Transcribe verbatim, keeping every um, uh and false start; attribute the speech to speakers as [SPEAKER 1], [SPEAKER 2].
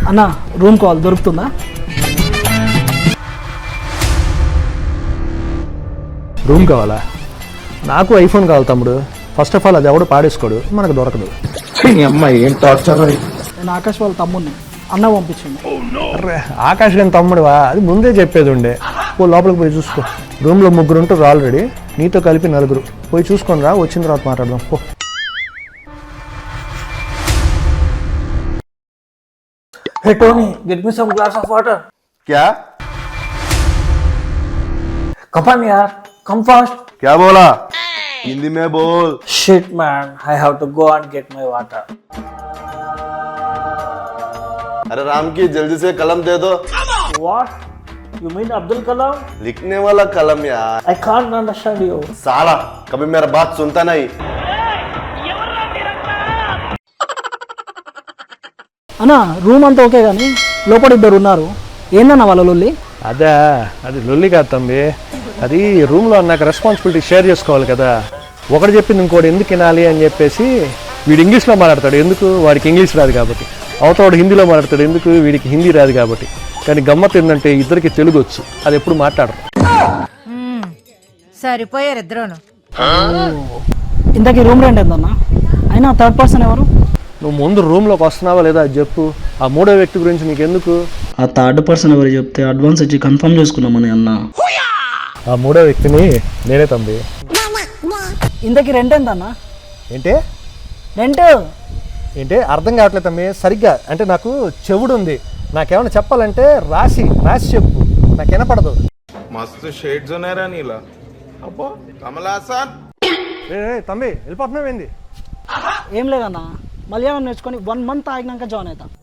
[SPEAKER 1] అన్న room call దొరుకుతుందా?
[SPEAKER 2] Room కావాలా? నాకు ఐఫోన్ కావాలి తమ్ముడు. ఫస్ట్ ఆఫ్ ఆల్ అది ఎవడు పాడేసుకోడు, మనకు దొరకదు.
[SPEAKER 3] అమ్మాయి ఏం టార్చర్.
[SPEAKER 1] నేను ఆకాష్ వాళ్ళ తమ్ముడిని, అన్న పంపించింది.
[SPEAKER 2] అర్రే ఆకాష్ గారి తమ్ముడువా? అది ముందే చెప్పేది ఉండే. పో లోపలికి పోయి చూసుకో. రూమ్లో ముగ్గురు ఉంటారు ఆల్రెడీ, నీతో కలిపి నలుగురు. పోయి చూసుకొని రా, వచ్చిన తర్వాత మాట్లాడదాం. పో.
[SPEAKER 3] Hey Tony, get me some glass of water.
[SPEAKER 4] क्या
[SPEAKER 3] Come on यार, come fast.
[SPEAKER 4] क्या बोला? हिंदी में बोल.
[SPEAKER 3] Shit man, I have to go and get my water.
[SPEAKER 4] अरे राम की जल्दी से कलम दे दो.
[SPEAKER 3] What? You mean Abdul Kalam?
[SPEAKER 4] लिखने वाला कलम यार.
[SPEAKER 3] I can't understand you.
[SPEAKER 4] साला कभी मेरा बात सुनता नहीं.
[SPEAKER 1] అన్న రూమ్ అంతా ఓకే కానీ లోపల ఇద్దరు ఉన్నారు. ఏందన్న వాళ్ళ లొల్లి?
[SPEAKER 2] అదే అది లొల్లి కాదు తమ్మి. అది రూమ్లో నాకు రెస్పాన్సిబిలిటీ షేర్ చేసుకోవాలి కదా. ఒకటి చెప్పింది ఇంకోటి ఎందుకు వినాలి అని చెప్పేసి వీడు ఇంగ్లీష్లో మాట్లాడతాడు, ఎందుకు? వాడికి ఇంగ్లీష్ రాదు కాబట్టి. అవతవాడు హిందీలో మాట్లాడతాడు, ఎందుకు? వీడికి హిందీ రాదు కాబట్టి. కానీ గమ్మత్ ఏంటంటే ఇద్దరికి తెలుగు వచ్చు, అది ఎప్పుడు మాట్లాడరు.
[SPEAKER 5] సరిపోయారు ఇద్దరును.
[SPEAKER 1] ఇంతకీ రూమ్ రెంట్ ఎంతన్నా? అయినా థర్డ్ పర్సన్ ఎవరు?
[SPEAKER 2] నువ్వు ముందు రూమ్లోకి వస్తున్నావా లేదా అది చెప్పు. ఆ మూడో వ్యక్తి గురించి నీకెందుకు?
[SPEAKER 6] ఆ థర్డ్ పర్సన్ ఎవరు చెప్తే అడ్వాన్స్ ఇచ్చి కన్ఫర్మ్ చేసుకున్నామని అన్న.
[SPEAKER 2] ఆ మూడో వ్యక్తిని నేనే తమ్మి.
[SPEAKER 1] ఇంతకీ రెంట్ ఎంతన్నా?
[SPEAKER 2] ఏంటి
[SPEAKER 1] రెంట్
[SPEAKER 2] ఏంటి అర్థం కావట్లేదు తమ్మి సరిగ్గా. అంటే నాకు చెవుడు ఉంది, నాకేమైనా చెప్పాలంటే రాసి రాసి చెప్పు, నాకు వినపడదు.
[SPEAKER 7] मस्त शेड्स ఉన్నాయరా నీలా. అబ్బో కమలాసన్.
[SPEAKER 2] ఏ తమ్మి వెళ్ళిపోతున్నావు ఏంది?
[SPEAKER 1] ఏం లేదన్నా, మలయాళం నేర్చుకొని వన్ మంత్ ఆగినాక జాయిన్ అవుతా.